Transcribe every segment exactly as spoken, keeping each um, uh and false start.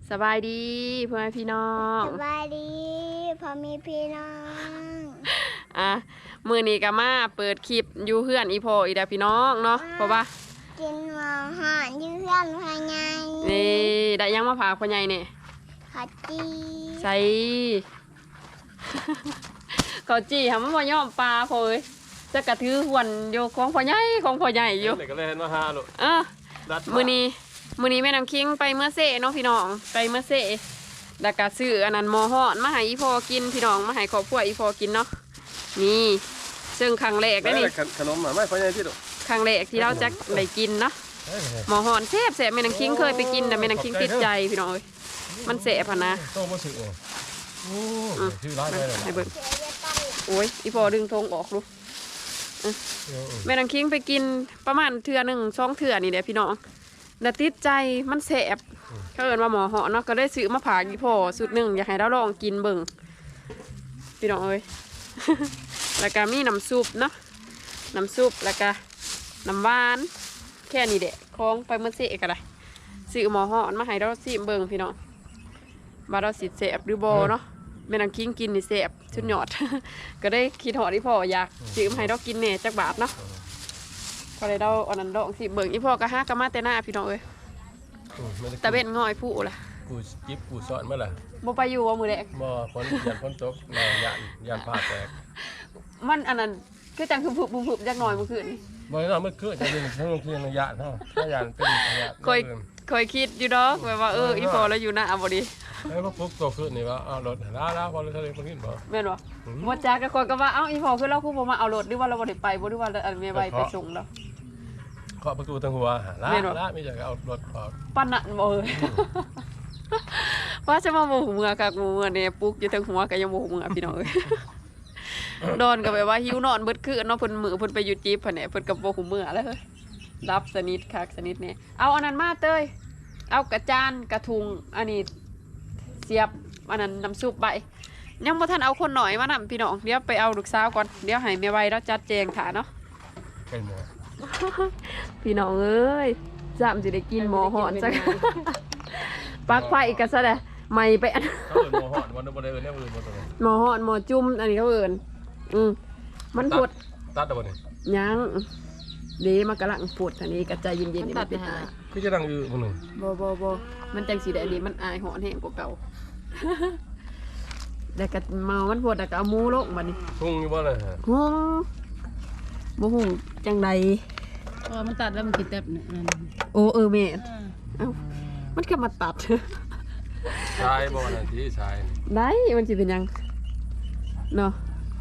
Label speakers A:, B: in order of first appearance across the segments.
A: สบายดีพ่อแม่พี่น้อง
B: สบายดีพอมีพี่น้อง
A: อ่ะมือนี้ก็มาเปิดคลิปอยู่เพื่อนอีพ่ออีดาพี่น้องเนาะเพราะว่า
B: กินหมอหอนยืเพื่อนภายใน
A: นี่ได้ยังมาฝากพ่อใหญ่เนี่ย
B: ขอจี
A: ใส่ เขาจีทำมันบ่ยอมปลาพ่อเอ้ยจะกระทือหวนอยู่ของพ่อใหญ่ของพ่อใหญ่อยู่
C: เด็กก็เลยเห็นว่าฮาลูก
A: เออมือนี้มือนี้แม่น้ำคิงไปเมื่อเซ่เนาะพี่น้องไปเมื่อเซ่แล้วก็ซื้ออันนั้นหมอฮอดมาให้อีพ่อกินพี่น้องมาให้ครอบครัวอีพ่อกินเนาะนี่ซึ่งครั้งแรกได้นี่
C: ขนมอ่ะไม่ค่อยใหญ่ที่ลูก
A: ครั้งแรกที่เราจะได้กินเนาะหมอฮอนแซ่บแซ่บแม่นังคิงเคยไปกินแต่แม่นังคิงติดใจพี่น้องเอ้ยมันแซ่บพะนะ
C: โตมาสึกโอ้ชื่อร้านอะไร
A: ให้เบิ่ง
B: เดี๋ยวจะตั้ง
A: โอ้ยอีพอดึงธงออกดูแม่นังคิงไปกินประมาณเทื่อหนึ่งสองเทื่อนี่แหละพี่น้องแล้วติดใจมันแซ่บเขาเอิ้นว่าหมอฮอนเนาะก็ได้ซื้อมาผากอีพอสุดหนึ่งอยากให้เราลองกินเบิ่งพี่น้องเอ้ย แล้วก็มีน้ำซุปเนาะน้ำซุปแล้วก็น้ำหวานแค่นี้แหละคล้องไปเมื่อเสกก็ได้ซื้อหมอห่อนมาให้เราสิเบิ่งพี่น้องว่าเราสิแสบหรือบ่เนาะแม่นางคิงกินนี่แสบชุดยอด ก็ได้คิดหอดที่พ่ออยากซื้อมาให้เรากินแหน่จักบาทเนาะก็เลยเราอันนั้นลองสิเบิ่งอีพ่อก็หากะมาแต่หน้าพี่น้องเอ้ยตะเบ็ดง่อยผู้ล่ะ
C: กูจิ๊บกูสอนเมื่อไหร่
A: บ่ไปอยู่ว่ามื้อแรก
C: บ่ฝนยันฝนตกยันยันผ้าแตก
A: มันอันนั้นคือจังคือผุบๆจักหน่อยเมื่อคืนนี่
C: บ่ได้เมื่อคืนจะเป็นทั้งคืนยานเท่าถ้ายานเป็นยาน
A: เคยเคยคิดอยู่ดอกแบบว่าเอออีพ่อแล้วอยู่หน้าบ่ดี
C: แล้วพอปุ๊บตัวคืนนี่ว่าเอารถล้าล้าพอเลยทะเลพอกินบ่
A: แม่นบ่บ่จักก็คนก็ว่าเอ้าอีพ่อคือเราคือบ่มาเอารถหรือว่าเราบ่ได้ไปบ่หรือว่าอันแม่ใบไปส่งแล้ว
C: เคาะประตูทางหัวล้าล้าไม่อยากเอารถออก
A: ปานนั้นบ่เอ้ย ว่าจะมาบ่หูเมื่อคักบ่เมื่อเนี่ยปลุกอยู่ทางหัวก็ยังบ่หูเมื่อพี่น้องเอ้ย นอนก็แบบว่าหิวนอนเบิดคืนเนาะเพิ่นมื้อเพิ่นไปอยู่จีบเพิ่นแหน่เพิ่นก็บ่หูเมื่อแล้วเฮ้ยรับสนิทคักสนิทแน่เอาอันนั้นมาเต้ยเอากระจานกระทุงอันนี้เสียบอันนั้นน้ำซุปใบยังบ่ทันเอาคนหน่อยมานำพี่น้องเดี๋ยวไปเอาลูกสาวก่อนเดี๋ยวให้แม่ไว้แล้วจัดแจงถ่าเนาะ
C: เป็นหมอ
A: พี่น้องเอ้ยจำสิได้กินหมอหอนจัง ปักไฟกันซะเลยไม่ไปอัน
C: เขาเอิ้นหมอหอดวันบ่ได้เอิ้นแนวอื่นบ่ตัว
A: หมอหอนหมอจุ่มอันนี้เขาเอินอืมมันปวด
C: ตัดเอาบ่นี่
A: ยังเดีมันกำลังปวดอันนี้กระจายเย็นๆนี่มันเป็นอาย
C: คือจะดังอยู่บ่นึง
A: บ่บ่บ่มันจังสีแดงนี่มันอายหอนแห้งกว่าเก่า แต่ก็เมามันปวดแต่ก็เอาหมูลงบัดนี้
C: ทุ่งอยู่บ่ล่ะฮะ
A: หุงบ่หุงจังใด
D: พอมันตัดแล้วมันกินแตบเนี่ยนั่น
A: โอ้เออแม่เอ้ามันก็มาตัด
C: ชายบ่นั่นที่ชาย
A: ได้มันสิเป็นยังเนาะ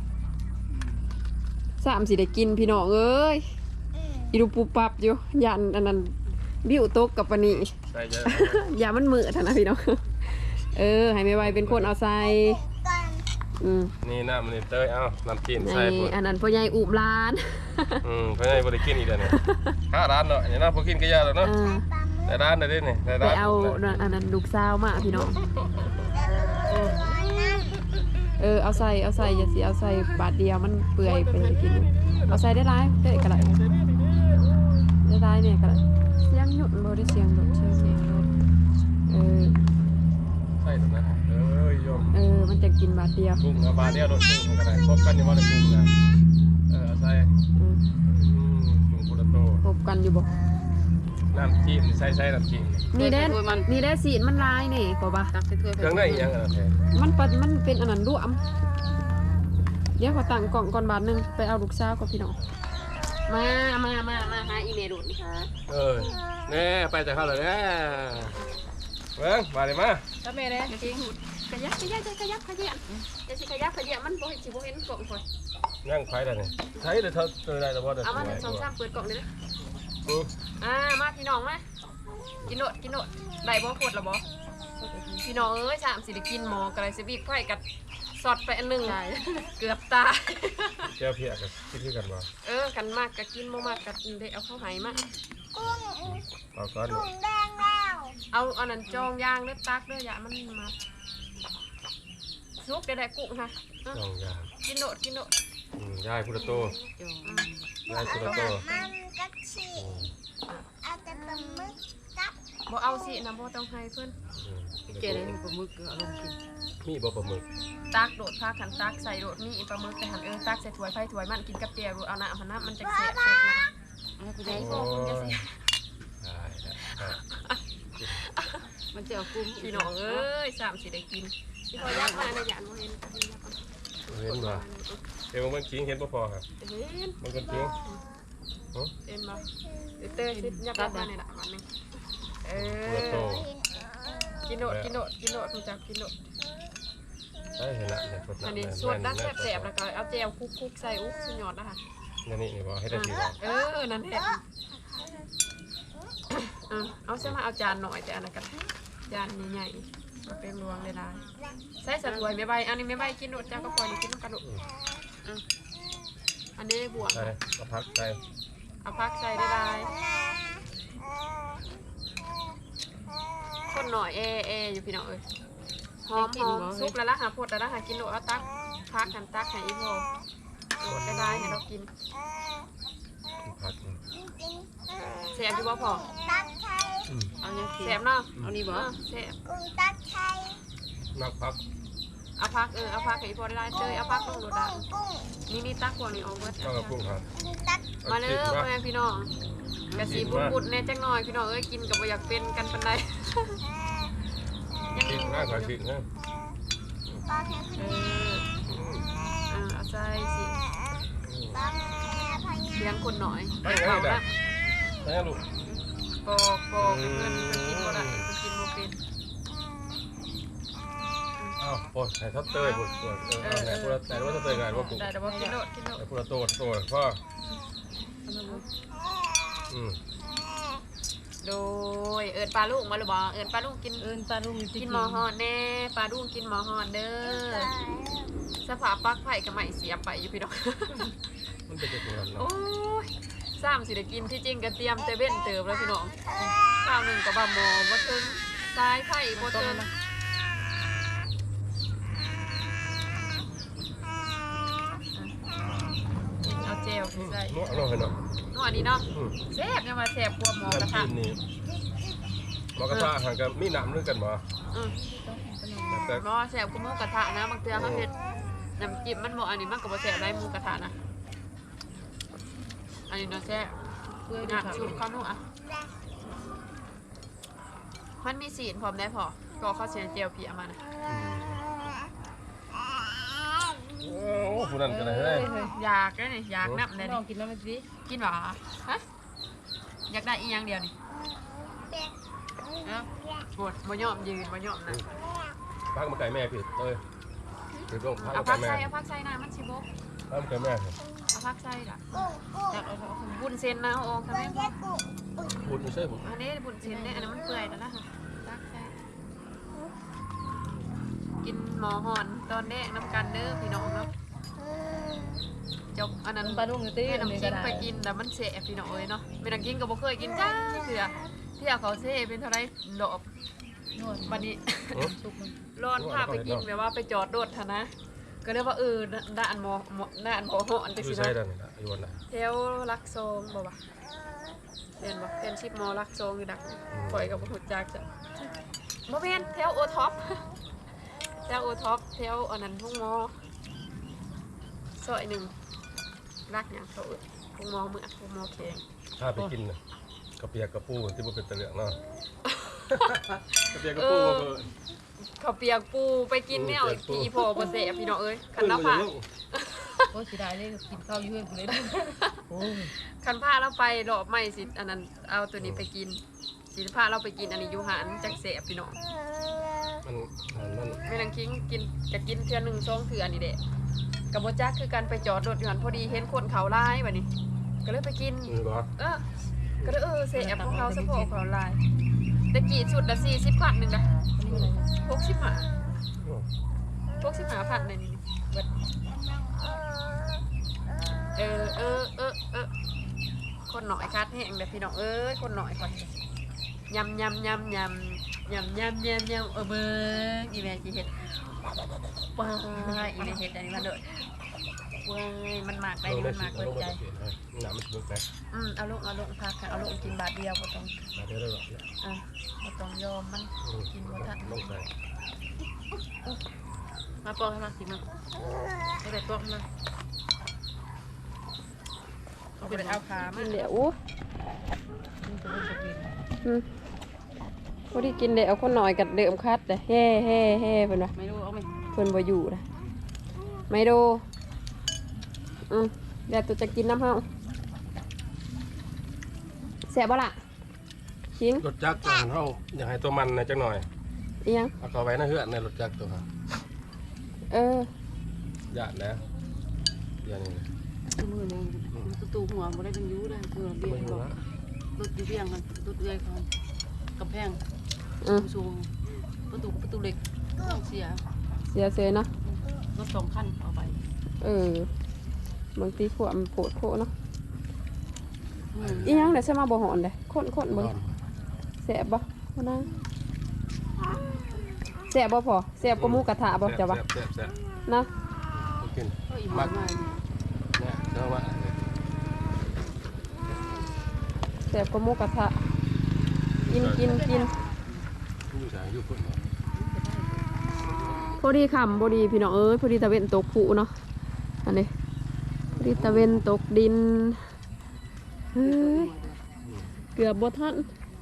A: สามสิได้กินพี่น้องเอ้ยอีดูปูปับอยู่ยันอันนั้นบิ้วตกกับปานนี้
C: ใช่จ้ะ
A: อย่ามันมือท่านนะพี่น้อง เออให้ไม่ไหวเป็นคนเอาใส่อืม
C: นี่น้ำนี่เตยเอ้าน้ำกิน
A: ใน
C: ใส่พุ่น
A: อันนั้นพ่อใหญ่อุบลาน
C: อืมเพิ่นให้บ่ได้กินอีกแล้วเนี่ยห้าร้านเนาะอย่างนั้นพอกินก็ยากแล้ว
A: เอ
C: เนาะ
A: อ
C: แต่ร้านได้เด้นี่แต่
A: ไป
C: ร้าน
A: เอาอันนั้นลูกสาวมาพี่น้องเออเอาใส่เอาใส่อย่าสิเอาใส่บาทเดียวมันเปื่อยไปกินเอาใส่ได้ร้ายได้กระไรได้ร้ายเนี่ยกระไรเสียงหยุดบ่ได้เสียงหยุดเสียงเสียงหยุดเออ
C: ใส่ตรงนั้นเอ้ยโยม
A: เออมันจะกินบาทเดียว
C: กุ้งเอาบาเดียวรถกุ้งมันก็ได้ครบกันอยู่บ่ได้กุ้งนะเออเอาใส่
A: อืม
C: อืมกุ้งพุทธโต
A: พบกันอยู่บ่
C: น้ำจิ้มใส่ใส่น้ำจิ้ม
A: นี่ได้นี่ได้สีมันลายนี่ก็บ่
D: ตักใส่ถ้วย
C: เครื่องได้อีหยังอ่ะแท้
A: มันปัดมันเป็นอันนั้นรวมเดี๋ยวขอตั้งกล่องก่อนบาทหนึงไปเอาลูกสาวกับพี่น้องมามามามาหาอีเมลดูดนี่ค่ะ
C: เออแน่ไปจากเขาเลยแน่เบิ่งมาเลยมา
D: ถ้าแม่เนี่ยจริง
A: ขยับขยับขยับขยับจะสิขยับขยับมันบ่เห็นสิบ่เห็นกล่องข่อย
C: นั่งไฟได้นี่ใช้เลยเท่าเจอได้แต่ว่าเดี๋ยว
A: เอามาหนึ่งสองสามเปิดกล่องเลยนะ
C: อือ
A: อ่ามาพี่น้องมากินโนดกินโนดได้บ่ปวดละบ่พี่น้องเอ้ยสามสิได้กินหมอกระไรสิบีกไฟกัดสอดไปอันหนึงเกือบตาย
C: เจ้าเพียกับคิดคือกันว่า
A: เออกันมากก็กินบ่มากก็ได้เอาเข้าไหมา
B: กุ้ง
C: เอาก้อน
B: กุ้งแดงแล้ว
A: เอาอันนั้นจองยางเด้อตักเด้ออย่ามันมาซุกได้ได้กุ้งค่ะ
C: สองอย่าง
A: กินโนดกินโนด
C: อืมยายพุทธโตยายพุทธโต
B: มันก็ฉีกเอาแต่ปลาหมึก
A: บ่เอาสินะบ่ต้องให้เพิ่น
D: เจได้มีปลาหมึกเอาลงกิน
C: มีบ่ปลาหมึก
A: ตักโดดพาขันตักใส่โดดมีปลาหมึกแต่หันเออตักใส่ถ้วยไฟถ้วยมันกินกับเจียวเอาน้ำเอาน้ำมันจะแซ่บๆนะ
D: เอาไป
A: ไอ้
D: ได้
A: พวกคุณจะแซ่บ
C: ได้ได้
D: มันจะเอากุ้ง
A: พี่น้องเอ้ยสามสิได้กินพี่พอยักมาในหยานบ่เห็น
C: เห็นบ่เดี๋ยวมันคิงเห็นบ่พอครับ
A: เห็น
C: มันก็คิง
A: เห็นบ่เตอร์สิยักมาในละวันนึงเอ
C: ตัวโต
A: อกินโดดกินโดดกินโดดรู้จักกินโดด
C: ใช่เห็นละเนี่ยสด
A: อันนี้สดดักแซ่บๆแล้วก็เอาแจวคุกๆใส่อุ๊กสุดยอดนะคะ
C: นี่นี่นี่บ่ให้ได้ทีบ่
A: เออนั่นแหละเอาเส้นมาเอาจานหน่อยแต่อันนั้นกันจานใหญ่ๆมาเป็นรวงเลยได้ใส่สะถวยไม่ใบอันนี้ไม่ใบกินโดดจ้าก็ปล่อยกินน้ำกระดูกอันนี้บวก
C: ใช่ก็พักใช่
A: เอาพักใส่ได้ได้คนหน่อยเอเออยู่พี่น้องเอ้ยหอมหอมซุปแล้วละหาพดแล้วละหากินโดดเอาตักพักกันตักให้อีโพโดดได้ได้ให้เรากิน
C: พัก
A: แซ่บอยู่บ่พอ
B: ตักไทย
A: เอาเนี่ยแซ่บเนาะ
D: เอานี่บ่
A: แซ่บ
B: กุ้งตักไทย
C: นักพัก
A: เอาพักเออเอาพักให้อีโพได้ได้เลยเอาพักลงโดดได้
B: กุ้ง
A: นี่นี่ตักพวกนี้ออกเบิด
C: นอกกับกุ้งครับ
B: กุ้งตัก
A: มาเลยพ่อแม่พี่น้องกะสีบุดๆแน่จังหน่อยพี่น้องเอ้ยกินกับบ่อยากเป็นกันปานใดยัง
C: คิดมากกว่าคิดนะ
B: ปลาแพง
A: เออเออเอาใจสิ
B: ปลาแพงพญา
A: เลี้ยงคนหน่อย
C: ไปไง
A: เอา
C: ได้
A: ละ
C: ไปลูก
A: ปอกปอกเงินมันกินบ่ได้มันกินบ่เป็น
C: อ้าวโอ้ยใส่ทับเตยปวดปวดเออไหนพวกแต่ว่าทับเตยงานว่าปวด
A: ได้แต่ว่ากินโดดกินโดด
C: แต่พวกโตโตพ่ออืม
A: โดยเอิญปลาลูกมาหรือบ่เอิญปลาลูกกิน
D: เอิ้นปลาลุง
A: กินหมอฮอดแน่ปลาลูกกินหมอฮอดเด้อสภาพปลักไผ่กับไม้เสียไปอยู่พี่น้อง
C: มันเป็นยังไง
A: โอ้
C: เนาะ
A: ยสามสิได้กินที่จริงก็เตรียมแต่เว้นเติมแล้วพี่น้องข้าวหนึ่งกับบะหมอบ่ถึงสายไผ่บ่ถึงเอาเจลใส่
C: เนาะเนาะเนาะ
A: นัวดีเนาะ
C: อืม
A: แซ่บยังมาแซ่บกว่าหมอกระ
C: น้ำ
A: ทะ
C: จิ้มนี่หมอกระทะห่างกันมีน้ำด้วยกันบ่
A: อืม
C: แต่
A: บ่แซ่บกว่าหมูกระทะนะบางเทื่อเขาเฮ็ดน้ำจิ้มมันบ่อันนี้มันก็บ่แซ่บได้หมูกระทะนะอันนี้เนาะแซ่บ
D: เพื่อ
A: อ่ะ
D: ดู
A: ชุบข้าวนุ่อ่ะมันมีสีนพร้อมได้พอก็ข้าวเสียเจียวเพียมานะ
C: โอ้ผู้นั้นกันเลยเฮ้ย
A: อยากได้นี่อยากนับเลย
D: ลอ
A: นี่
D: งกินแล้วมันสิ
A: กินหรอฮะอยากได้อีกอย่างเดียวนี่เอ้าปวดบ่ยอมยืนบ่ยอมนะ
C: พักมาไก่แม่ผิดเอ้ยผิดลงพัก
A: เอา
C: มา
A: พั
C: ไก่
A: ก
C: แม่
A: ใส่เอาพักใส่นะมันสิบก
C: พักมาไก่แม่
A: เอาพักใส่ล่ะ
B: กุ้งกุ้ง
A: อยากเอาเอาบุญเซนนะเอาออกทำไม
B: เรียกกุ้ง
C: พูดไม่ใช่ผม
A: อันนี้บุญเซนเนี่ยอันนั้นมันเปื่อยแล้วนะพักใส่กินหมอหอนตอนแรกน้ำกันเด้อพี่น้องเนาะจบอันนั้น
D: ปลาลุงตี
A: แม่
D: อันนี้
A: น้ำ
D: ก็
A: จิ้ม
D: ได้
A: ไปกินแต่มันเสียพี่น้องเอ้ยเนาะแม่น้ำจิ้มก็บ่เคยกินจ้าเถื่อที่เอาเขาเซ่เป็นเท่าไรดอก
D: นวด
A: บัดนี้
D: สุกมัน
A: ร้อนพาไปกินแบบว่าไปจอดรถทะนะ ก็เรียกว่าเออด้านหมอหมอด้านหมอหอนไป
C: อ
A: สิ
C: ยู่ใช่
A: เนาะ
C: ด้านนี้อยู่วันไหน
A: แถวรักโซงบ่วะเรียนบ่เรียนชิปหมอรักโซงอยู่ดักปล่อยกับบ่ฮู้จักจ้ะบ่แม่นแถวโอท็อปแถวโอท็อปแถวอันนั้นทุ่งหมอซอยหนึ่งรักหยังเขาเอิ้นทุ่งหมอเมืองทุ่งหมอแข็ง
C: ถ้าไปกินน่ะกระเปียกกระปูที่มันเป็นตะเหลืองเนาะกระเปียกกระปูก็คือ
A: เขาวเปียกปูไปกินแนวพี่พอบ่เสะพี่น้องเอ้ยคันละ
C: ขึ้
A: ผ่า
C: มา
D: โอ้สิได้เลยกินข้าวอยู่เพื่อนกูเลยโอ้ย
A: คันผ้าเราไปรอบใหม่สิอันนั้นเอาตัวนี้ไปกินสิผ้าเราไปกินอันนี้อยู่หานจักเสะพี่น้อง
C: มันมัน
A: แม่นางคิงกินจะกินเทื่อหนึงสองเทื่อนี่แหละกับบ่จักคือกันไปจอดรถอยู่หันพอดีเห็นคนเขาหลายบัดนี้ ก็เลยไปกิน
C: มันก็
A: เออก็เลยเออเสะของเขาสะโพกเขาหลายตะกี้ชุดละสี่สิบพันหนึงนะ
D: อันนี้อะไรนะ
A: หกสิบห้าหกสิบห้าพันในนี้เบิดเออเออเออเออคนหน่อยคัดแห้งเด้อพี่น้องเอ้ยคนหน่อยก่อนยำยำยำยำยำยำยำยำเออเบิ้งอีแม่จีเห็ดป้าอีแม่เห็ดอันนี้มาเด้อเว้ยมันมากได้
C: ลงได้
A: มัน
C: สิ
A: มากเกิน
C: ลง
A: ใจ
C: ได้สิหนามันสนุกไหม
A: อืมเอาลงเอาลงพักค่ะเอาลงกินบาทเดียวบ่ต้อง
C: มาเดี๋ยวได้หรอก
A: อ่ะบ่ต้องยอมมันกินบ่ทัน
C: ลงใส่
D: มาปอกให้มาสิมาไม่ได้ปอกมา
A: เอาไปเอาขามาเดี๋ยว
D: มันจะเป็นสกิน
A: อืมพอดีกินเดี๋ยวเอาคนหน่อยกับเดิมคัดเด้อแฮ่แฮ่แฮ่เพิ่นว่า
D: ไม่รู้เอาไหม
A: เพิ่นบ่อยู่นะไม่ดูอืมเดี๋ยวตัวจะกินน้ำเฮาแซ่บบ่ล่ะชิง
C: รถจักรตัวเฮาอยากให้ตัวมันนะจักหน่อย
A: อีหยัง
C: เอาเข้าไว้ในเฮือนในรถจักรตัวฮะ
A: เออ
C: ญาติแล้วอย่างนี้
D: มือเลยประตูหัวบ่ได้เป็นยูเลยคือเบี้ย
C: ไม่
D: บ
C: รู้
D: อก
C: นะ
D: รถอยู่เบี้ยงกันรถเอื้อยเขากำแพง
A: อืม
D: สูงประตูประตูเหล็กเสีย
A: เสียเสียเนาะ
D: รถสองคันเอาไป
A: เออบางทีพวกมันโผดโผเนาะ
D: อืม
A: อีหยังเดี๋ยวจะมาบ่หอนเด้คนคนเบิ่งแซ่บบ่บ่นะแซ่บบ่พอแซ่บกว่าหมูกระทะบ่จ้ะวะ
C: แซ่บแซ่บ
A: นะ
C: กิน
D: ก็อีกมากมาย
C: เนี่ยเจ้าว่า
A: แซ่บกว่าหมูกระทะกินกินกิน
C: อยู่ไหนอยู่พุ่น
A: พอดีค่ำพอดีพี่น้องเอ้ยพอดีตะเวนตกผุเนาะอันนี้พอดีตะเวนตกดินเฮ้ยเกือบบ่ทัน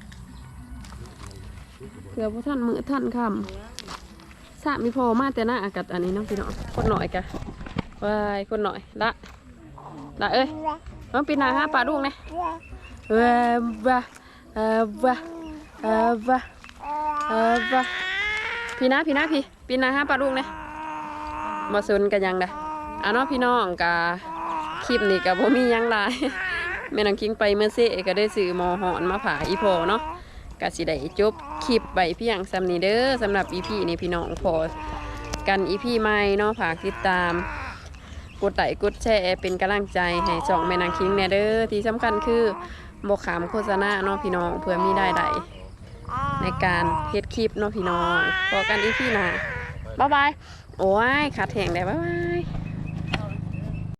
A: เกือบบ่ทันมื้อทันค่ำสะมีพอมาแต่หน้าอากาศอันนี้เนาะพี่น้องคนหน่อยกะวายคนหน่อยละละเอ้ยต้องปีนหน้าหาปลาดุกเนี่ยเว้าวะเออวะเออวะเออวะพี่นะพี่นะพี่ปีนหน้าหาปลาดุกเนี่ยมาสนกันยังเด้ออ่ะเนาะพี่น้องกะคลิปนี้กะบ่มีหยังหลาย แม่นางคิงไปเมื่อเซ่ก็ได้ซื้อหมอหอนมาผ่าอีพอเนาะก็สิได้จบคลิปไว้เพียงสำนี้เด้อสำหรับอีพีนี้พี่น้องพอกันอีพีใหม่เนาะฝากติดตามกดไลค์กดแชร์เป็นกำลังใจให้ช่องแม่นางคิงแน่เด้อที่สำคัญคือบ่ขามโฆษณาเนาะพี่น้องเพื่อมีได้ได้ในการเฮ็ดคลิปเนาะพี่น้องพอกันอีพีหน้าบ๊ายบายโอ้ยขาดแห้งได้บ๊ายบาย